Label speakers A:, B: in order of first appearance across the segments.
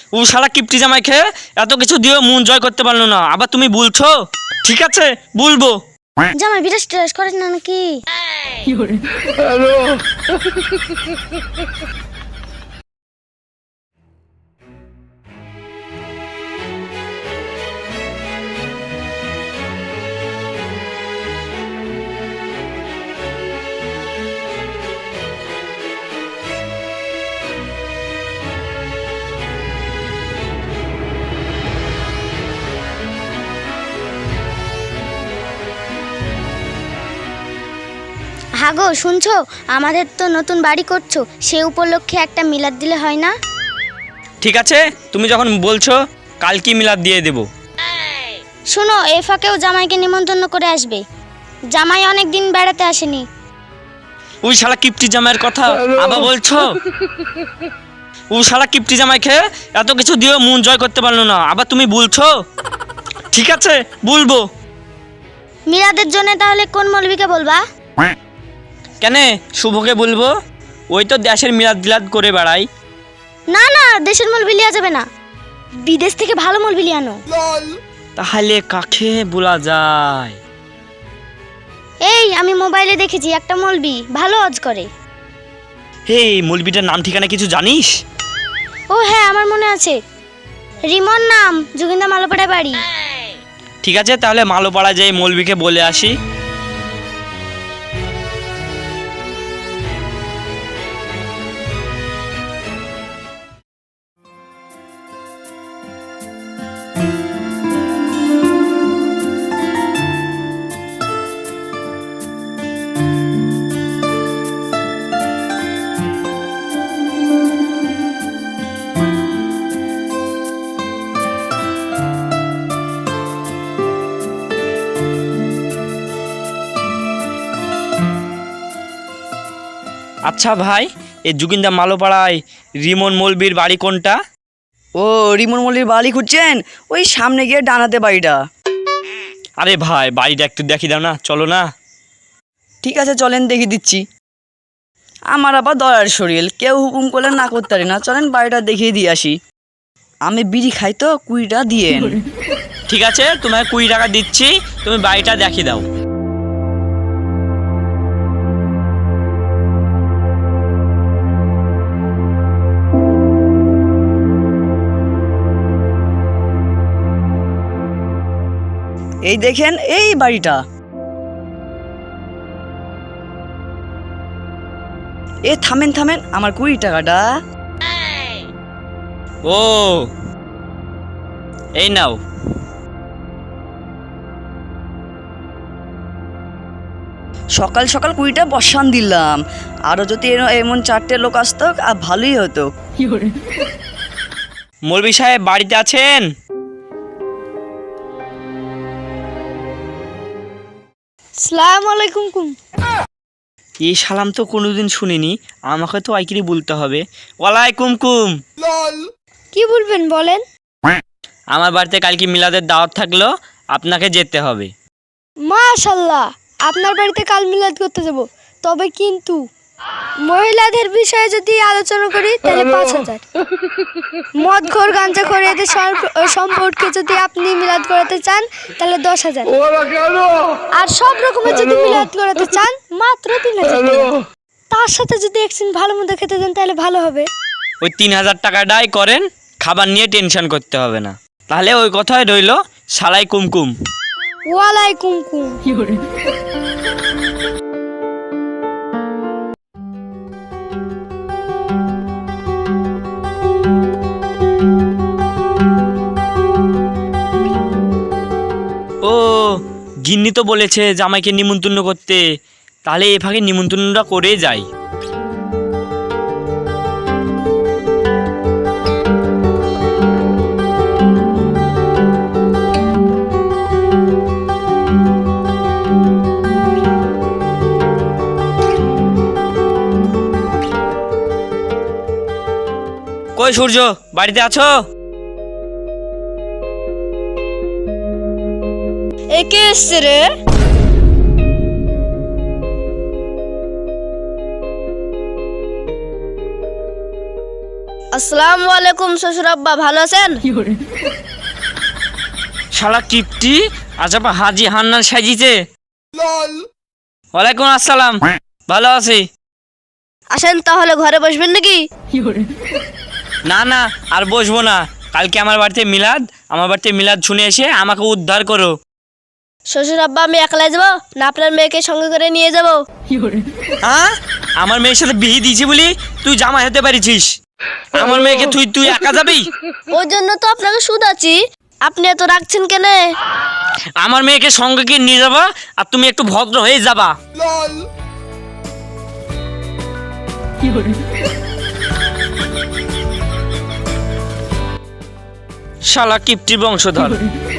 A: ও শালা কিপটি জামাই খেয়ে এত কিছু দিয়েও মন জয় করতে পারলো না, আবার তুমি বলছো? ঠিক আছে, বলবো।
B: জামাই বিরাট স্ট্রেস করেন না নাকি? হাগো শুনছো, আমাদের তো নতুন বাড়ি করছো, সে উপলক্ষে একটা মিলাদ দিলে হয় না?
A: ঠিক আছে, তুমি যখন বলছো কালকে মিলাদ দিয়ে দেবো।
B: শোনো, এ ফাঁকেও জামাইকে নিমন্ত্রণ করে আসবে। জামাই অনেক দিন বেড়াতে আসেনি।
A: ওই শালা কিপটি জামাইয়ের কথা আবার বলছো? ও শালা কিপটি জামাই খেয়ে এত কিছু দিয়েও মন জয় করতে পারলো না, আবার তুমি বলছো? ঠিক আছে, বলবো।
B: মিলাদের জন্য তাহলে কোন মৌলবীকে বলবা?
A: কেন শুভকে বলবো? ওই তো দেশের মিলাদ বিলাদ করে বেড়াই।
B: না না, দেশের মৌলবী লিয়া যাবে না, বিদেশ থেকে ভালো মৌলবী লিয়ে আনো।
A: তাহলে কাকে বলা যায়?
B: এই আমি মোবাইলে দেখেছি একটা মৌলবী ভালো ওয়াজ করে।
A: হে, মৌলবীটার নাম ঠিকানা কিছু জানিস?
B: ও হ্যাঁ, আমার মনে আছে, রিমন নাম, যোগিন্দা মালোপাড়া বাড়ি।
A: ঠিক আছে, তাহলে মালোপাড়া যাই মৌলবীকে বলে আসি। আচ্ছা ভাই, এই যোগিন্দা মালোপাড়ায় রিমন মৌলবীর বাড়ি কোনটা?
C: ও, রিমন মল্লির বাড়ি খুঁজছেন? ওই সামনে গিয়ে ডানাতে বাড়িটা।
A: আরে ভাই, বাড়িটা একটু দেখি দাও না, চলো না।
C: ঠিক আছে চলেন, দেখিয়ে দিচ্ছি। আমার আবার দয়ার শরীর, কেউ হুকুম করলে না করতে পারি না। চলেন বাড়িটা দেখিয়ে দিয়ে আসি। আমি বিড়ি খাই তো, 20টা দিয়েন।
A: ঠিক আছে, তোমায় 20 টাকা দিচ্ছি, তুমি বাড়িটা দেখিয়ে দাও।
C: এই দেখেন এই বাড়িটা। এ থামেন থামেন, আমার 20 টাকাটা।
A: ও, এই নাও।
C: সকাল সকাল 20টা বসান দিলাম। আরো যদি এমন 4টে লোক আসতো আর ভালোই হতো।
A: মৌলবী সাহেব বাড়িতে আছেন?
B: সালাম আলাইকুম কুম।
A: এই সালাম তো কোনোদিন শুনিনি, আমাকে তো আইকিরি বলতে হবে। ওয়ালাইকুম কুম।
B: কি বলবেন বলেন?
A: আমার বাড়িতে কালকে মিলাদের দাওয়াত থাকলো, আপনাকে যেতে হবে।
B: মাশাআল্লাহ, আপনার বাড়িতে কাল মিলাদ করতে যাব, তবে কিন্তু মহিলাদের বিষয়ে যদি আলোচনা করি তাহলে 5000, মদখোর গাঁজাখোর এদের সম্পর্কে যদি আপনি মিলাদ করাতে চান তাহলে 10,000, আর সব রকমের যদি মিলাদ করাতে চান মাত্র 3,000 টাকা। তার সাথে যদি একদিন ভালো মন্দ খেতে দেন তাহলে ভালো হবে।
A: ওই 3000 টাকাটাই করেন, খাবার নিয়ে টেনশন করতে হবে না। তাহলে ওই কথাই রইল, সালাই কুমকুম।
B: ওয়ালাইকুম কুম।
A: ও, গিন্নি তো বলেছে জামাইকে নিমন্ত্রণ করতে, তাহলে এ ফাঁকে নিমন্ত্রণটা করে যাই। কই সূর্য, বাড়িতে আছো?
B: একে এসছে রে। আসসালামু আলাইকুম শ্বশুর আব্বা, ভালো আছেন?
A: শালা কিপটি আজ আবার হাজি হান্নান সাজিছে। ওয়ালাইকুম আসসালাম, ভালো আছি।
B: আসেন তাহলে, ঘরে বসবেন নাকি?
A: না না, আর বসবো না। কালকে আমার বাড়িতে মিলাদ শুনে এসে আমাকে উদ্ধার করো।
B: শ্বশুর আব্বা, আমি একলাই যাবো না আপনার মেয়েকে সঙ্গে করে নিয়ে যাবো?
A: হ্যাঁ, আমার মেয়ের সাথে বিয়ে দিয়েছি বলি তুই জামাই হতে পারিস? আমার মেয়েকে তুই একা যাবি?
B: ওই জন্য তো আপনাকে শুধাচ্ছি, আপনি এত রাখছেন কেন?
A: আমার মেয়েকে সঙ্গে গিয়ে নিয়ে যাবা, আর তুমি একটু ভদ্র হয়ে যাবা। শালা কিপটি বংশধর।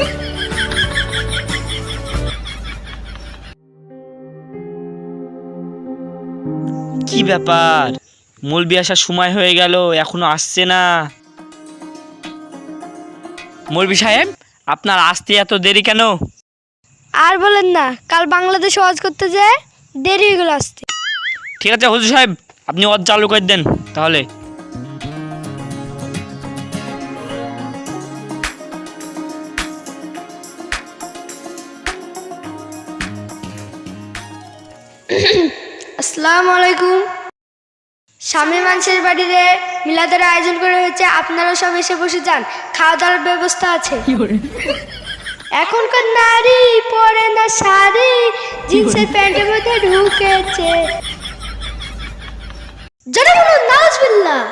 A: কি ব্যাপার, মৌলবি আসার সময় হয়ে গেল, এখনো আসছে না। মৌলবি সাহেব, আপনার আসতে এত দেরি কেন?
B: আর বলেন না, কাল বাংলাদেশ ওয়াজ করতে যেয়ে দেরি হয়ে গেল আসতে।
A: ঠিক আছে হুজুর সাহেব, আপনি ওয়াজ চালু করে দেন তাহলে।
B: আসসালামু আলাইকুম। স্বামী মানুষের বাড়িতে মিলাদের আয়োজন করা হয়েছে, আপনারা সব এসে বসে যান, খাওয়া দাওয়ার ব্যবস্থা আছে। এখনকার নারী পরে না শাড়ি, জিন্সের প্যান্টের মধ্যে ঢুকেছে। যারা বলুন নাউজুবিল্লাহ।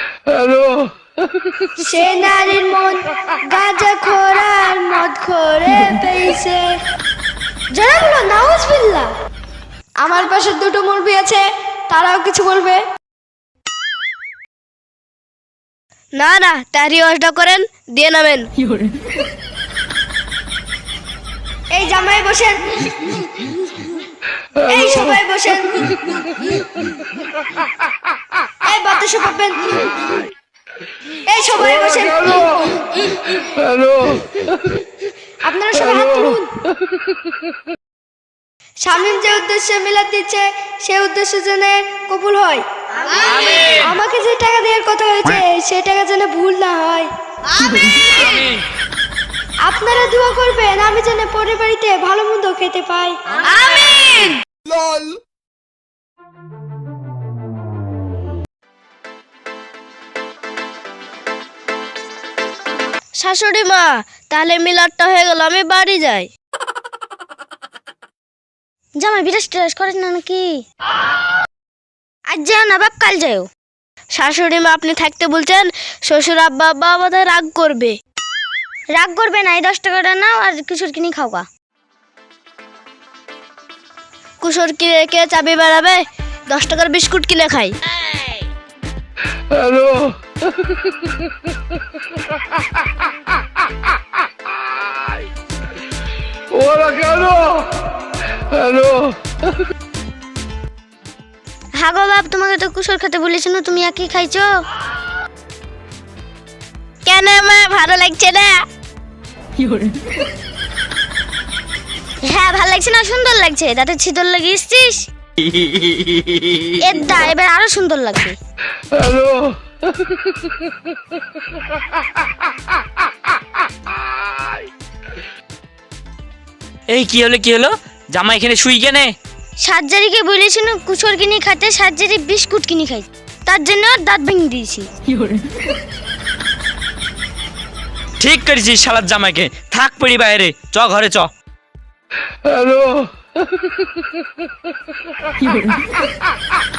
B: সে নারীর মন গাঁজা খোরার মদ খোরে পেয়েছে। যারা বলুন নাউজুবিল্লাহ। আমার পাশে দুটো মুরগি আছে, তারাও কিছু বলবে না? না, তারি ওয়াজটা করেন, দিয়ে নামেন। এই জামাই বসেন, এই সবাই বসেন, এই বাতাসে পাবেন, এই সবাই বসেন। আপনারা সবাই হাত তুলুন। স্বামীর যে উদ্দেশ্যে মিলাদ দিচ্ছে, সেই উদ্দেশ্য যেন কবুল হয়। আমাকে যে টাকা দেওয়ার কথা হয়েছে, সেই টাকা যেন ভুল না হয়। আপনারা দোয়া করবেন আমি যেন পরের বাড়িতে ভালো মন্দ খেতে পাই। আমিন। শাশুড়ি মা, তাহলে মিলাদটা হয়ে গেল, আমি বাড়ি যাই। জামাই বিরাজ টিরাজ করেন না নাকি? আজ যাও না বাপ, কাল যাও। শাশুড়ি মা, আপনি থাকতে বলছেন, শ্বশুর আব্বা বোধহয় রাগ করবে। রাগ করবে না, এই 10 টাকাটা নাও আর কিশোর কিনে খাওয়া। কিশোর কিনে কে চাবি বেড়াবে? 10 টাকার বিস্কুট কিনে খাই।
D: হ্যালো, ওরা কেন? হ্যালো,
B: হাগো বাপ, তোমাকে তো কুসর খেতে বলেছি না, তুমি একই খাইছো কেন? মা ভালো লাগছে না? হ্যাঁ ভালো লাগছে না, সুন্দর লাগছে। দাঁতে ছিদর লাগিয়েছিস, এর দা এবার আরো সুন্দর লাগবে।
D: হ্যালো,
A: এই কি হলো? জামা এখানে শুই কেনে?
B: সার্জারিকে বলেছি না কুসর কিনে খাইতে, সার্জারি বিস্কুট কিনে খাই, তার জন্য দাঁত ভেঙে দিয়েছি।
A: ঠিক করেছিস শালার জামাইকে, থাক পড়ি বাইরে, চ ঘরে চ।
D: হ্যালো,